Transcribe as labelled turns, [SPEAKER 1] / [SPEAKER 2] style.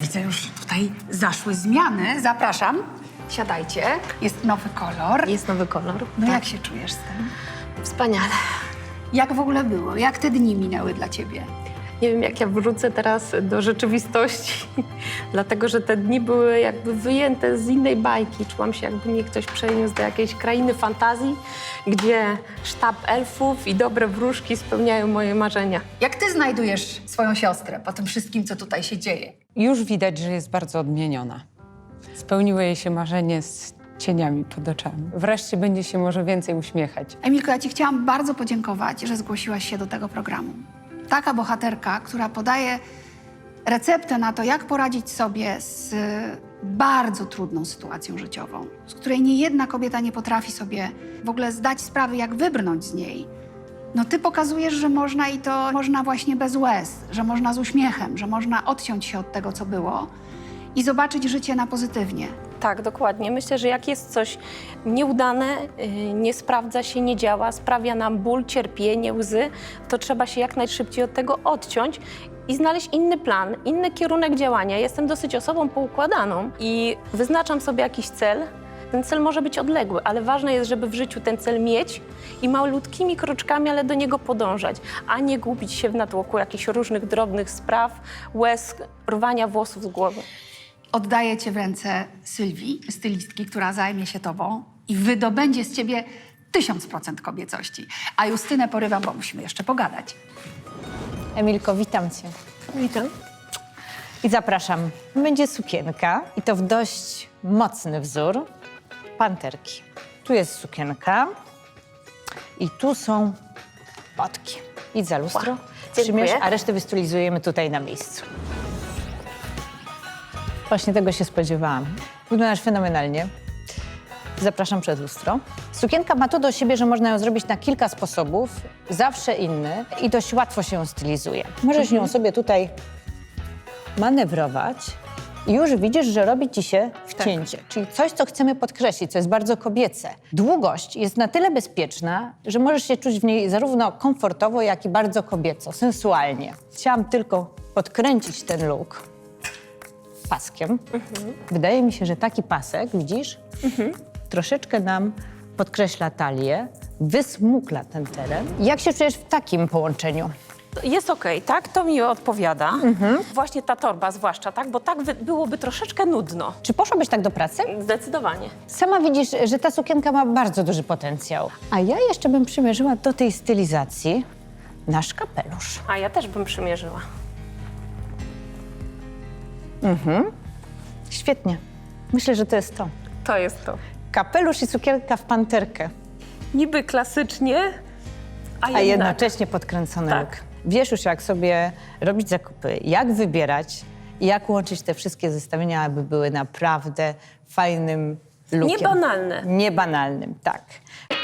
[SPEAKER 1] widzę, już tutaj zaszły zmiany. Zapraszam, siadajcie. Jest nowy kolor.
[SPEAKER 2] Jest nowy kolor.
[SPEAKER 1] No
[SPEAKER 2] Tak.
[SPEAKER 1] jak się czujesz z tym?
[SPEAKER 2] Wspaniale.
[SPEAKER 1] Jak w ogóle było? Jak te dni minęły dla ciebie?
[SPEAKER 2] Nie wiem, jak ja wrócę teraz do rzeczywistości, dlatego że te dni były jakby wyjęte z innej bajki. Czułam się, jakby mnie ktoś przeniósł do jakiejś krainy fantazji, gdzie sztab elfów i dobre wróżki spełniają moje marzenia.
[SPEAKER 1] Jak ty znajdujesz swoją siostrę po tym wszystkim, co tutaj się dzieje?
[SPEAKER 3] Już widać, że jest bardzo odmieniona. Spełniło jej się marzenie z cieniami pod oczami. Wreszcie będzie się może więcej uśmiechać.
[SPEAKER 1] Emilko, ja ci chciałam bardzo podziękować, że zgłosiłaś się do tego programu. Taka bohaterka, która podaje receptę na to, jak poradzić sobie z bardzo trudną sytuacją życiową, z której niejedna kobieta nie potrafi sobie w ogóle zdać sprawy, jak wybrnąć z niej. No ty pokazujesz, że można i to można właśnie bez łez, że można z uśmiechem, że można odciąć się od tego, co było i zobaczyć życie na pozytywnie.
[SPEAKER 2] Tak, dokładnie. Myślę, że jak jest coś nieudane, nie sprawdza się, nie działa, sprawia nam ból, cierpienie, łzy, to trzeba się jak najszybciej od tego odciąć i znaleźć inny plan, inny kierunek działania. Jestem dosyć osobą poukładaną i wyznaczam sobie jakiś cel. Ten cel może być odległy, ale ważne jest, żeby w życiu ten cel mieć i malutkimi kroczkami, ale do niego podążać, a nie gubić się w natłoku jakichś różnych drobnych spraw, łez, rwania włosów z głowy.
[SPEAKER 1] Oddaję cię w ręce Sylwii, stylistki, która zajmie się tobą i wydobędzie z ciebie 1000% kobiecości. A Justynę porywam, bo musimy jeszcze pogadać.
[SPEAKER 4] Emilko, witam cię.
[SPEAKER 2] Witam.
[SPEAKER 4] I zapraszam. Będzie sukienka i to w dość mocny wzór panterki. Tu jest sukienka i tu są potki. Idź za lustro, przymierz, a resztę wystylizujemy tutaj na miejscu. Właśnie tego się spodziewałam. Wyglądasz fenomenalnie. Zapraszam przed lustro. Sukienka ma to do siebie, że można ją zrobić na kilka sposobów, zawsze inny i dość łatwo się ją stylizuje. Możesz ją sobie tutaj manewrować i już widzisz, że robi ci się wcięcie, czyli coś, co chcemy podkreślić, co jest bardzo kobiece. Długość jest na tyle bezpieczna, że możesz się czuć w niej zarówno komfortowo, jak i bardzo kobieco, sensualnie. Chciałam tylko podkręcić ten look paskiem. Wydaje mi się, że taki pasek, widzisz, troszeczkę nam podkreśla talię, wysmukla ten teren. Jak się czujesz w takim połączeniu?
[SPEAKER 2] Jest okej, tak? To mi odpowiada. Właśnie ta torba zwłaszcza, tak? Bo tak byłoby troszeczkę nudno.
[SPEAKER 4] Czy poszłabyś tak do pracy?
[SPEAKER 2] Zdecydowanie.
[SPEAKER 4] Sama widzisz, że ta sukienka ma bardzo duży potencjał. A ja jeszcze bym przymierzyła do tej stylizacji nasz kapelusz.
[SPEAKER 2] A ja też bym przymierzyła.
[SPEAKER 4] Świetnie. Myślę, że to jest to.
[SPEAKER 2] To jest to.
[SPEAKER 4] Kapelusz i sukienka w panterkę,
[SPEAKER 2] Niby klasycznie,
[SPEAKER 4] a jednocześnie podkręcony
[SPEAKER 2] Tak.
[SPEAKER 4] look. Wiesz już, jak sobie robić zakupy, jak wybierać i jak łączyć te wszystkie zestawienia, aby były naprawdę fajnym lookiem.
[SPEAKER 2] Niebanalne.
[SPEAKER 4] Niebanalnym, tak.